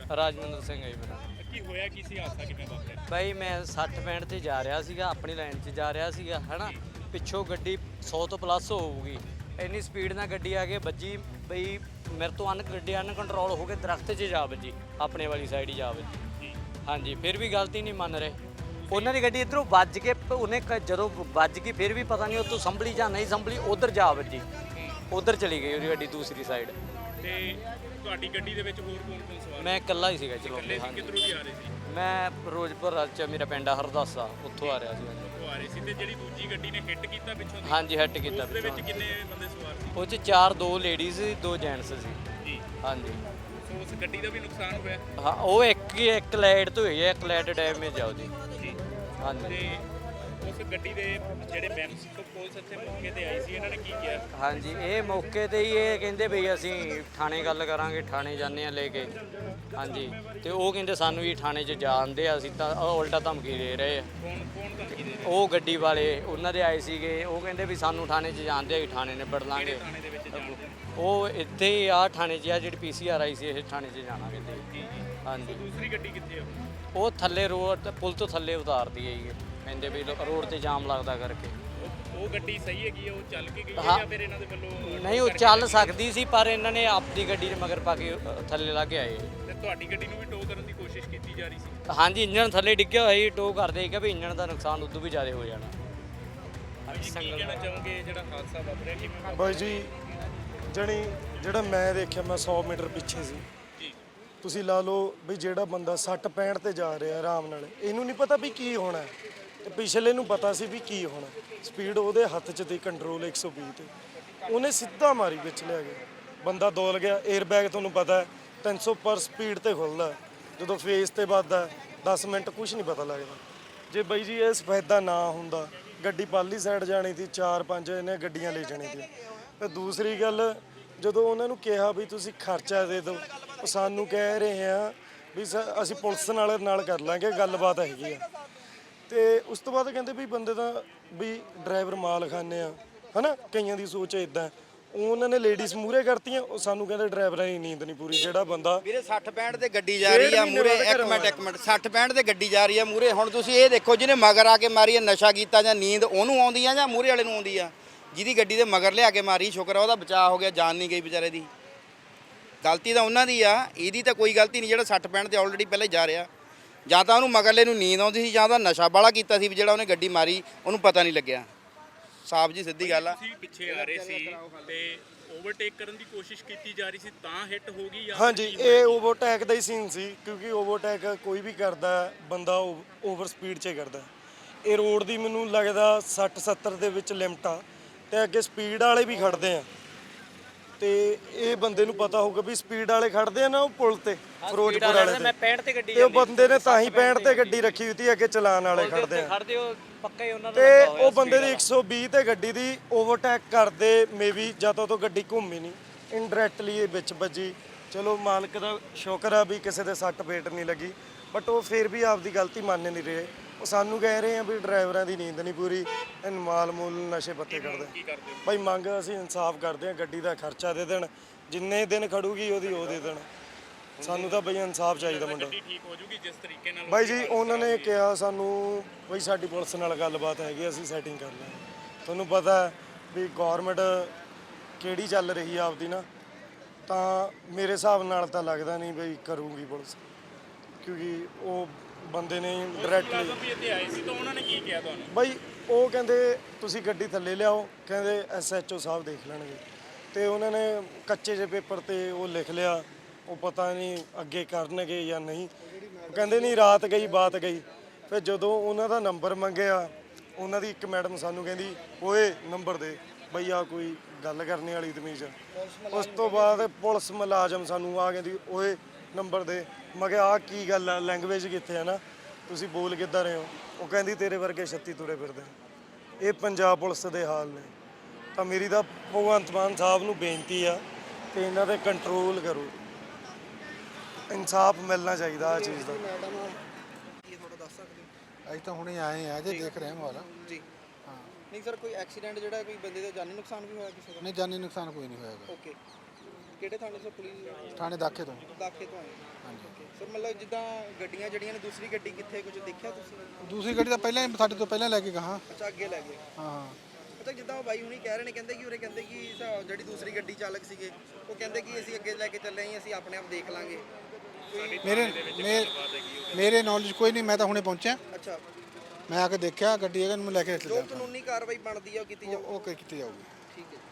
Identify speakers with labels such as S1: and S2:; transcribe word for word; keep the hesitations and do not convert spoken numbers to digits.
S1: ਰਾਜਵਿੰਦਰ ਸਿੰਘ ਹੈ ਜੀ ਮੇਰਾ।
S2: ਕੀ ਹੋਇਆ ਕੀ ਸੀ ਹਾਦਸਾ ਕਿਵੇਂ ਵਾਪਰਿਆ?
S1: ਬਾਈ ਮੈਂ ਸੱਠ ਪੈਂਹਠ ਤੇ ਜਾ ਰਿਹਾ ਸੀਗਾ, ਆਪਣੀ ਲਾਈਨ 'ਚ ਜਾ ਰਿਹਾ ਸੀਗਾ ਹੈ ਨਾ। ਪਿੱਛੋਂ ਗੱਡੀ ਸੌ ਤੋਂ ਪਲੱਸ ਹੋਊਗੀ, ਇੰਨੀ ਸਪੀਡ ਨਾਲ ਗੱਡੀ ਆ ਕੇ ਵੱਜੀ ਬਈ ਮੇਰੇ ਤੋਂ ਅਨ ਗੱਡੀ ਅਨਕੰਟਰੋਲ ਹੋ ਕੇ ਦਰਖਤ 'ਚ ਜਾ ਵੱਜੀ, ਆਪਣੇ ਵਾਲੀ ਸਾਈਡ ਹੀ ਜਾ ਵੱਜੀ। ਹਾਂਜੀ, ਫਿਰ ਵੀ ਗਲਤੀ ਨਹੀਂ ਮੰਨ ਰਹੇ। ਉਹਨਾਂ ਦੀ ਗੱਡੀ ਇੱਧਰੋਂ ਵੱਜ ਕੇ ਉਹਨੇ ਕ- ਜਦੋਂ ਵੱਜ ਗਈ ਫਿਰ ਵੀ ਪਤਾ ਨਹੀਂ ਉੱਥੋਂ ਸੰਭਲੀ ਜਾਂ ਨਹੀਂ ਸੰਭਲੀ, ਉਧਰ ਜਾ ਵੱਜੀ, ਉਧਰ ਚਲੀ ਗਈ ਉਹਦੀ ਗੱਡੀ ਦੂਸਰੀ ਸਾਈਡ।
S2: ਤੇ ਤੁਹਾਡੀ ਗੱਡੀ ਦੇ ਵਿੱਚ ਹੋਰ ਕੌਣ ਕੌਣ ਸਵਾਰ?
S1: ਮੈਂ ਇਕੱਲਾ ਹੀ ਸੀਗਾ ਚਲੋ।
S2: ਇਕੱਲੇ ਸੀ? ਕਿੱਧਰੋਂ ਦੀ ਆ ਰਹੇ ਸੀ?
S1: ਮੈਂ ਫਿਰੋਜ਼ਪੁਰ ਚ ਮੇਰਾ ਪਿੰਡ ਆ ਹਰਦਾਸਾ, ਉੱਥੋਂ ਆ ਰਿਹਾ ਸੀ।
S2: ਉਹ ਆ ਰਹੇ ਸੀ। ਤੇ ਜਿਹੜੀ ਦੂਜੀ ਗੱਡੀ ਨੇ ਹਿੱਟ ਕੀਤਾ ਪਿੱਛੋਂ ਦੀ?
S1: ਹਾਂਜੀ, ਹਿੱਟ ਕੀਤਾ
S2: ਉਸ ਦੇ ਵਿੱਚ
S1: ਪਿੱਛੋਂ।
S2: ਕਿੰਨੇ ਬੰਦੇ ਸਵਾਰ ਸੀ?
S1: ਉਹ 'ਚ ਚਾਰ, ਦੋ ਲੇਡੀਜ਼ ਦੋ ਜੈਂਟਸ ਸੀ
S2: ਜੀ।
S1: ਹਾਂਜੀ।
S2: ਸੋ ਉਸ ਗੱਡੀ ਦਾ ਵੀ ਨੁਕਸਾਨ ਹੋਇਆ?
S1: ਹਾਂ, ਉਹ ਇੱਕ ਹੀ ਇੱਕ ਲਾਈਟ ਤੋਂ ਹੋਈ ਹੈ, ਇੱਕ ਲਾਈਟ ਡੈਮੇਜ ਆ ਉਹਦੀ।
S2: ਜੀ।
S1: ਹਾਂਜੀ।
S2: ਤੇ ਉਸ ਗੱਡੀ ਦੇ ਜਿਹੜੇ ਮੈਂਬਰਸ ਤੋਂ ਪੁਲਿਸ ਇੱਥੇ ਮੌਕੇ ਤੇ ਆਈ ਸੀ, ਇਹਨਾਂ ਨੇ ਕੀ ਕਿਹਾ?
S1: ਹਾਂਜੀ, ਇਹ ਮੌਕੇ ਤੇ ਹੀ ਇਹ ਕਹਿੰਦੇ ਬਈ ਅਸੀਂ ਥਾਣੇ ਗੱਲ ਕਰਾਂਗੇ, ਥਾਣੇ ਜਾਂਦੇ ਆ ਲੈ ਕੇ। ਹਾਂਜੀ, ਤੇ ਉਹ ਕਹਿੰਦੇ ਸਾਨੂੰ ਵੀ ਥਾਣੇ 'ਚ ਜਾਣਦੇ ਆ, ਅਸੀਂ ਤਾਂ ਉਹ ਉਲਟਾ ਧਮਕੀ ਦੇ ਰਹੇ ਆ।
S2: ਕੌਣ ਕੌਣ ਧਮਕੀ ਦੇ ਰਿਹਾ?
S1: ਉਹ ਗੱਡੀ ਵਾਲੇ ਉਹਨਾਂ ਦੇ ਆਏ ਸੀਗੇ, ਉਹ ਕਹਿੰਦੇ ਵੀ ਸਾਨੂੰ ਥਾਣੇ 'ਚ ਜਾਣਦੇ ਆ, ਥਾਣੇ ਨਿਬੜ ਲਾਂਗੇ।
S2: ਥਾਣੇ ਦੇ ਵਿੱਚ ਜਾਣਦੇ ਨੇ?
S1: ਉਹ ਇੱਥੇ ਹੀ ਆ ਥਾਣੇ 'ਚ ਆ, ਜਿਹੜੀ ਪੀ ਸੀ ਆਰ ਆਈ ਸੀ, ਇਹ ਥਾਣੇ 'ਚ ਜਾਣਾ ਕਹਿੰਦੇ।
S2: ਜੀ ਜੀ।
S1: ਹਾਂਜੀ,
S2: ਦੂਸਰੀ ਗੱਡੀ ਕਿੱਥੇ ਆ?
S1: ਉਹ ਥੱਲੇ ਰੋਡ ਪੁਲ ਤੋਂ ਥੱਲੇ ਉਤਾਰਦੀ ਹੈ ਜੀ, ਕਹਿੰਦੇ ਵੀ ਲੋ- ਰੋਡ ਤੇ ਜਾਮ ਲੱਗਦਾ ਕਰਕੇ।
S2: ਉਹ- ਉਹ ਗੱਡੀ ਸਹੀ ਹੈਗੀ ਆ? ਉਹ ਚੱਲ ਕੇ ਗਈ ਹੈ
S1: ਹਾਂ।
S2: ਜਾਂ ਫਿਰ ਇਹਨਾਂ ਦੇ ਵੱਲੋਂ?
S1: ਨਹੀਂ, ਉਹ ਚੱਲ ਸਕਦੀ ਸੀ ਪਰ ਇਹਨਾਂ ਨੇ ਆਪਦੀ ਗੱਡੀ ਦੇ ਮਗਰ ਪਾ ਕੇ ਅ, ਥੱਲੇ ਲਾ ਕੇ ਆਏ।
S2: ਤੇ ਤੁਹਾਡੀ ਗੱਡੀ ਨੂੰ ਵੀ ਟੋ ਕਰਨ ਦੀ ਕੋਸ਼ਿਸ਼ ਕੀਤੀ ਜਾ ਰਹੀ ਸੀ?
S1: ਹਾਂਜੀ, ਇੰਜਣ ਥੱਲੇ ਡਿੱਗਿਆ ਹੋਇਆ ਸੀ, ਟੋ ਕਰਦੇ ਕਿ ਵੀ ਇੰਜਣ ਦਾ ਨੁਕਸਾਨ ਉਦੋਂ ਵੀ ਜ਼ਿਆਦਾ ਹੋ ਜਾਣਾ।
S2: ਕੀ ਕਹਿਣਾ ਚਾਹੋਗੇ ਜਿਹੜਾ ਹਾਦਸਾ ਵਾਪਰਿਆ ਕਿਵੇਂ ਵਾਪਰਿਆ?
S3: ਬਾਈ ਜੀ ਜਣੀ ਜਿਹੜਾ ਮੈਂ ਦੇਖਿਆ, ਮੈਂ ਸੌ ਮੀਟਰ ਪਿੱਛੇ ਸੀ।
S2: ਜੀ।
S3: ਤੁਸੀਂ ਲਾ ਲਓ ਵੀ ਜਿਹੜਾ ਬੰਦਾ ਸੱਠ ਪੈਂਹਠ ਤੇ ਜਾ ਰਿਹਾ ਆਰਾਮ ਨਾਲ, ਇਹਨੂੰ ਨਹੀਂ ਪਤਾ ਵੀ ਕੀ ਹੋਣਾ ਹੈ, ਤੇ ਪਿਛਲੇ ਨੂੰ ਪਤਾ ਸੀ ਵੀ ਕੀ ਹੋਣਾ। ਸਪੀਡ ਉਹਦੇ ਹੱਥ 'ਚ ਤੇ ਕੰਟਰੋਲ ਇੱਕ ਸੌ ਵੀਹ ਤੇ, ਉਹਨੇ ਸਿੱਧਾ ਮਾਰੀ, ਵਿੱਚ ਲਿਆ ਗਿਆ, ਬੰਦਾ ਡੋਲ ਗਿਆ। 에ਅਰ ਬੈਗ ਤੁਹਾਨੂੰ ਪਤਾ ਹੈ ਤਿੰਨ ਸੌ ਪਰ ਸਪੀਡ ਤੇ ਖੁੱਲਦਾ, ਜਦੋਂ ਫੇਸ ਤੇ ਵੱਜਦਾ ਦਸ ਮਿੰਟ ਕੁਝ ਨਹੀਂ ਪਤਾ ਲੱਗਦਾ। ਜੇ ਬਾਈ ਜੀ ਇਹ ਸਫੈਦਾ ਨਾ ਹੁੰਦਾ, ਗੱਡੀ ਪਾਲੀ ਸਾਈਡ ਜਾਣੀ ਸੀ, ਚਾਰ ਪੰਜ ਇਹਨੇ ਗੱਡੀਆਂ ਲੈ ਜਾਣੀ ਸੀ। ਤੇ ਦੂਸਰੀ ਗੱਲ, ਜਦੋਂ ਉਹਨਾਂ ਨੂੰ ਕਿਹਾ ਵੀ ਤੁਸੀਂ ਖਰਚਾ ਦੇ ਦਿਓ, ਉਹ ਸਾਨੂੰ ਕਹਿ ਰਹੇ ਆ ਵੀ ਸ- ਅਸੀਂ ਪੁਲਿਸ ਨਾਲ ਨਾਲ ਕਰ ਲਾਂਗੇ, ਗੱਲਬਾਤ ਹੈਗੀ ਆ। ਤੇ ਉਸ ਤੋਂ ਬਾਅਦ ਕਹਿੰਦੇ ਵੀ ਬੰਦੇ ਦਾ ਵੀ ਡਰਾਈਵਰ ਮਾਲ ਖਾਨੇ ਆ, ਹਨਾ, ਕਈਆਂ ਦੀ ਸੋਚ ਇਦਾਂ। ਉਹਨਾਂ ਨੇ ਲੇਡੀਜ਼ ਮੂਹਰੇ ਕਰਤੀਆਂ, ਉਹ ਸਾਨੂੰ ਕਹਿੰਦੇ ਡਰਾਈਵਰਾਂ ਦੀ ਨੀਂਦ ਨਹੀਂ ਪੂਰੀ। ਜਿਹੜਾ ਬੰਦਾ
S4: ਵੀਰੇ ਸੱਠ ਪੈਂਹਠ ਤੇ ਗੱਡੀ ਜਾ ਰਹੀ ਆ ਮੂਰੇ, ਇੱਕ ਮਿੰਟ ਇੱਕ ਮਿੰਟ, ਸੱਠ ਪੈਂਹਠ ਤੇ ਗੱਡੀ ਜਾ ਰਹੀ ਆ ਮੂਰੇ। ਹੁਣ ਤੁਸੀਂ ਇਹ ਦੇਖੋ, ਜਿਹਨੇ ਮਗਰ ਆ ਕੇ ਮਾਰੀ ਆ, ਨਸ਼ਾ ਕੀਤਾ ਜਾਂ ਨੀਂਦ ਉਹਨੂੰ ਆਉਂਦੀ ਆ ਜਾਂ ਮੂਰੇ ਵਾਲੇ ਨੂੰ ਆਉਂਦੀ ਆ? ਜਿਹਦੀ ਗੱਡੀ ਦੇ ਮਗਰ ਲਿਆ ਕੇ ਮਾਰੀ, ਸ਼ੁਕਰ ਆ ਉਹਦਾ ਬਚਾਅ ਹੋ ਗਿਆ, ਜਾਨ ਨਹੀਂ ਗਈ ਵਿਚਾਰੇ ਦੀ। ਗਲਤੀ ਤਾਂ ਉਹਨਾਂ ਦੀ ਆ, ਇਹਦੀ ਤਾਂ ਕੋਈ ਗਲਤੀ ਨਹੀਂ। ਜਿਹੜਾ ਸੱਠ ਪੈਂਹਠ ਤੇ ਆਲਰੇਡੀ ਪਹਿਲਾਂ ਹੀ ਜਾ ਰਿਹਾ, ਜਾਂ ਤਾਂ ਉਹਨੂੰ ਮਗਰਲੇ ਨੂੰ ਨੀਂਦ ਆਉਂਦੀ ਸੀ, ਜਾਂ ਤਾਂ ਨਸ਼ਾ ਬਾਲਾ ਕੀਤਾ ਸੀ ਵੀ ਜਿਹੜਾ ਉਹਨੇ ਗੱਡੀ ਮਾਰੀ ਉਹਨੂੰ ਪਤਾ ਨਹੀਂ ਲੱਗਿਆ। ਸਾਫ ਜੀ ਸਿੱਧੀ ਗੱਲ ਆ।
S2: ਤੁਸੀਂ ਪਿੱਛੇ ਆ ਰਹੇ ਸੀ ਤੇ ਓਵਰਟੇਕ ਕਰਨ ਦੀ ਕੋਸ਼ਿਸ਼ ਕੀਤੀ ਜਾ ਰਹੀ ਸੀ ਤਾਂ ਹਿੱਟ ਹੋ ਗਈ ਜਾਂ?
S3: ਹਾਂਜੀ, ਇਹ ਓਵਰਟੇਕ ਦਾ ਹੀ ਸੀਨ ਸੀ, ਕਿਉਂਕਿ ਓਵਰਟੇਕ ਕੋਈ ਵੀ ਕਰਦਾ ਬੰਦਾ ਓਵਰ ਸਪੀਡ 'ਚ ਕਰਦਾ। ਇਹ ਰੋਡ ਦੀ ਮੈਨੂੰ ਲੱਗਦਾ ਸੱਠ ਸੱਤਰ ਦੇ ਵਿੱਚ ਲਿਮਟ ਆ, ਤੇ ਅੱਗੇ ਸਪੀਡ ਵਾਲੇ ਵੀ ਖੜਦੇ ਆ। ਤੇ ਇਹ ਬੰਦੇ ਨੂੰ ਪਤਾ ਹੋਊਗਾ ਵੀ ਸਪੀਡ ਵਾਲੇ ਖੜਦੇ ਆ ਨਾ ਉਹ ਪੁਲ ਤੇ, ਫਿਰੋਜ਼ਪੁਰ ਵਾਲੇ
S1: ਮੈਂ ਪੈਂਹਠ ਤੇ ਗੱਡੀ
S3: ਤੇ ਉਹ ਬੰਦੇ ਨੇ ਤਾਂ ਹੀ ਪੈਂਹਠ ਤੇ ਗੱਡੀ ਰੱਖੀ ਹੋਈ ਸੀ, ਅੱਗੇ ਚਲਾਨ ਵਾਲੇ ਖੜਦੇ ਆ।
S1: ਖੜਦੇ ਉਹ ਪੱਕਾ ਹੀ ਉਹਨਾਂ ਦਾ
S3: ਤੇ
S1: ਲੱਗਾ ਹੋਇਆ
S3: ਉਹ ਬੰਦੇ ਦੀ ਇੱਕ ਸੌ ਵੀਹ ਤੇ ਗੱਡੀ ਦੀ ਓਵਰਟੇਕ ਕਰਦੇ, ਮੇਬੀ ਜਾਂ ਤਾਂ ਉਹ ਗੱਡੀ ਘੁੰਮੀ ਨਹੀਂ, ਇਨਡਾਇਰੈਕਟਲੀ ਇਹ ਵਿੱਚ ਵੱਜੀ। ਚਲੋ ਮਾਲਕ ਦਾ ਸ਼ੁਕਰ ਆ ਵੀ ਕਿਸੇ ਦੇ ਸੱਟ ਫੇਟ ਨਹੀਂ ਲੱਗੀ, ਬਟ ਉਹ ਫਿਰ ਵੀ ਆਪਦੀ ਗਲਤੀ ਮੰਨ ਨਹੀਂ ਰਹੇ। ਉਹ ਸਾਨੂੰ ਕਹਿ ਰਹੇ ਆ ਵੀ ਡਰਾਈਵਰਾਂ ਦੀ ਨੀਂਦ ਨਹੀਂ ਪੂਰੀ, ਇਹ ਮਾਲ ਮੂਲ ਨਸ਼ੇ ਪੱਤੇ ਕਰਦੇ।
S2: ਕੀ ਕਰਦੇ ਹੋ?
S3: ਭਾਈ ਮੰਗ ਅਸੀਂ ਇਨਸਾਫ ਕਰਦੇ ਆ, ਗੱਡੀ ਦਾ ਖਰਚਾ ਦੇ ਦੇਣ, ਜਿੰਨੇ ਦਿਨ ਖੜੂਗੀ ਉਹਦੀ ਉਹ ਦੇ ਦੇਣ। ਸਾਨੂੰ ਤਾਂ ਬਈ ਇਨਸਾਫ ਚਾਹੀਦਾ ਮੁੰਡਾ।
S2: ਗੱਡੀ ਠੀਕ ਹੋ ਜੂਗੀ ਜਿਸ ਤਰੀਕੇ ਨਾਲ?
S3: ਬਾਈ ਜੀ ਉਹਨਾਂ ਨੇ ਕਿਹਾ ਸਾਨੂੰ ਬਈ ਸਾਡੀ ਪੁਲਿਸ ਨਾਲ ਗੱਲਬਾਤ ਹੈਗੀ, ਅਸੀਂ ਸੈਟਿੰਗ ਕਰ ਲਾਂਗੇ। ਤੁਹਾਨੂੰ ਪਤਾ ਹੈ ਵੀ ਗੌਰਮੈਂਟ ਕਿਹੜੀ ਚੱਲ ਰਹੀ ਆ ਆਪਦੀ ਨਾ, ਤਾਂ ਮੇਰੇ ਹਿਸਾਬ ਨਾਲ ਤਾਂ ਲੱਗਦਾ ਨਹੀਂ ਬਈ ਕਰੂਗੀ ਪੁਲਿਸ, ਕਿਉਂਕਿ ਉਹ ਬੰਦੇ ਨੇ ਡਾਇਰੈਕਟਲੀ
S2: ਵੀ ਇੱਥੇ ਆਏ ਸੀ ਤਾਂ ਉਹਨਾਂ ਨੇ ਕੀ ਕਿਹਾ ਤੁਹਾਨੂੰ?
S3: ਬਾਈ ਉਹ ਕਹਿੰਦੇ ਤੁਸੀਂ ਗੱਡੀ ਥੱਲੇ ਲਿਆਓ, ਕਹਿੰਦੇ ਐਸ ਐਚ ਓ ਸਾਹਿਬ ਦੇਖ ਲੈਣਗੇ। ਤੇ ਉਹਨਾਂ ਨੇ ਕੱਚੇ ਜਿਹੇ ਪੇਪਰ ਤੇ ਉਹ ਲਿਖ ਲਿਆ, ਉਹ ਪਤਾ ਨਹੀਂ ਅੱਗੇ ਕਰਨਗੇ ਜਾਂ ਨਹੀਂ। ਕਹਿੰਦੇ ਨਹੀਂ ਰਾਤ ਗਈ ਬਾਤ ਗਈ। ਫਿਰ ਜਦੋਂ ਉਹਨਾਂ ਦਾ ਨੰਬਰ ਮੰਗਿਆ, ਉਹਨਾਂ ਦੀ ਇੱਕ ਮੈਡਮ ਸਾਨੂੰ ਕਹਿੰਦੀ ਓਏ ਨੰਬਰ ਦੇ ਬਈ, ਆ ਕੋਈ ਗੱਲ ਕਰਨੇ ਵਾਲੀ ਤਮੀਜ਼। ਉਸ ਤੋਂ ਬਾਅਦ ਪੁਲਿਸ ਮੁਲਾਜ਼ਮ ਸਾਨੂੰ ਆ ਕਹਿੰਦੀ ਓਏ ਨੰਬਰ ਦੇ। ਮੈਂ ਕਿਹਾ ਆ ਕੀ ਗੱਲ ਆ, ਲੈਂਗੁਏਜ ਕਿੱਥੇ ਹੈ ਨਾ, ਤੁਸੀਂ ਬੋਲ ਕਿੱਦਾਂ ਰਹੇ ਹੋ? ਉਹ ਕਹਿੰਦੀ ਤੇਰੇ ਵਰਗੇ ਛੱਤੀ ਤੁਰੇ ਫਿਰਦੇ। ਇਹ ਪੰਜਾਬ ਪੁਲਿਸ ਦੇ ਹਾਲ ਨੇ। ਤਾਂ ਮੇਰੀ ਤਾਂ ਭਗਵੰਤ ਮਾਨ ਸਾਹਿਬ ਨੂੰ ਬੇਨਤੀ ਆ ਕਿ ਇਹਨਾਂ ਤੇ ਕੰਟਰੋਲ ਕਰੋ, ਇਨਸਾਫ ਮਿਲਣਾ ਚਾਹੀਦਾ ਆ ਚੀਜ਼ ਦਾ।
S5: ਅਸੀਂ ਤਾਂ ਹੁਣੇ ਆਏ ਆ ਜੇ ਦੇਖ ਰਹੇ ਹਾਂ ਮਾਹੌਲ
S4: ਜੀ। ਹਾਂ, ਨਹੀਂ ਸਰ, ਕੋਈ ਐਕਸੀਡੈਂਟ ਜਿਹੜਾ ਕੋਈ ਬੰਦੇ ਦਾ ਜਾਨੀ ਨੁਕਸਾਨ ਵੀ ਹੋਇਆ ਕਿਸੇ ਦਾ?
S5: ਨਹੀਂ, ਜਾਨੀ ਨੁਕਸਾਨ ਕੋਈ ਨਹੀਂ ਹੋਇਆ।
S4: ਓਕੇ, ਕਿਹੜੇ ਥਾਣੇ ਤੋਂ? ਪੁਲਿਸ
S5: ਥਾਣੇ ਦਾਖੇ ਤੋਂ।
S4: ਦਾਖੇ ਤੋਂ ਆਏ?
S5: ਹਾਂਜੀ।
S4: ਸਰ ਮਤਲਬ ਜਿੱਦਾਂ ਗੱਡੀਆਂ ਜਿਹੜੀਆਂ ਨੇ ਦੂਸਰੀ ਗੱਡੀ ਕਿੱਥੇ ਕੁਝ ਦੇਖਿਆ ਤੁਸੀਂ?
S5: ਦੂਸਰੀ ਗੱਡੀ ਤਾਂ ਪਹਿਲਾਂ ਹੀ ਸਾਡੇ ਤੋਂ ਪਹਿਲਾਂ ਲੈ ਕੇ ਗਾਹਾਂ।
S4: ਅੱਛਾ ਅੱਗੇ ਲੈ ਗਏ।
S5: ਹਾਂ
S4: ਅੱਛਾ ਜਿੱਦਾਂ ਉਹ ਬਾਈ ਹੁਣੀ ਕਹਿ ਰਹੇ ਨੇ ਕਹਿੰਦੇ ਕਿ ਉਰੇ ਕਹਿੰਦੇ ਕਿ ਸ- ਜਿਹੜੀ ਦੂਸਰੀ ਗੱਡੀ ਚਾਲਕ ਸੀਗੇ ਉਹ ਕਹਿੰਦੇ ਕਿ ਅਸੀਂ ਅੱਗੇ ਲੈ ਕੇ ਚੱਲੇ ਹਾਂ ਅਸੀਂ ਆਪਣੇ ਆਪ ਦੇਖ ਲਾਂਗੇ।
S5: ਮੇਰੇ ਮੇ- ਮੇਰੇ ਨੌਲੇਜ ਕੋਈ ਨਹੀਂ, ਮੈਂ ਤਾਂ ਹੁਣੇ ਪਹੁੰਚਿਆ,
S4: ਅੱਛਾ
S5: ਮੈਂ ਆ ਕੇ ਦੇਖਿਆ ਗੱਡੀ ਹੈਗਾ, ਨੂੰ ਲੈ ਕੇ
S4: ਜੋ
S5: ਚੱਲਿਆ।
S4: ਕਾਨੂੰਨੀ ਕਾਰਵਾਈ ਬਣਦੀ ਆ ਉਹ ਕੀਤੀ
S5: ਉਹ
S4: ਜਾਊ।
S5: ਉਹ ਕੀਤੀ ਜਾਊਗੀ।
S4: ਠੀਕ ਹੈ।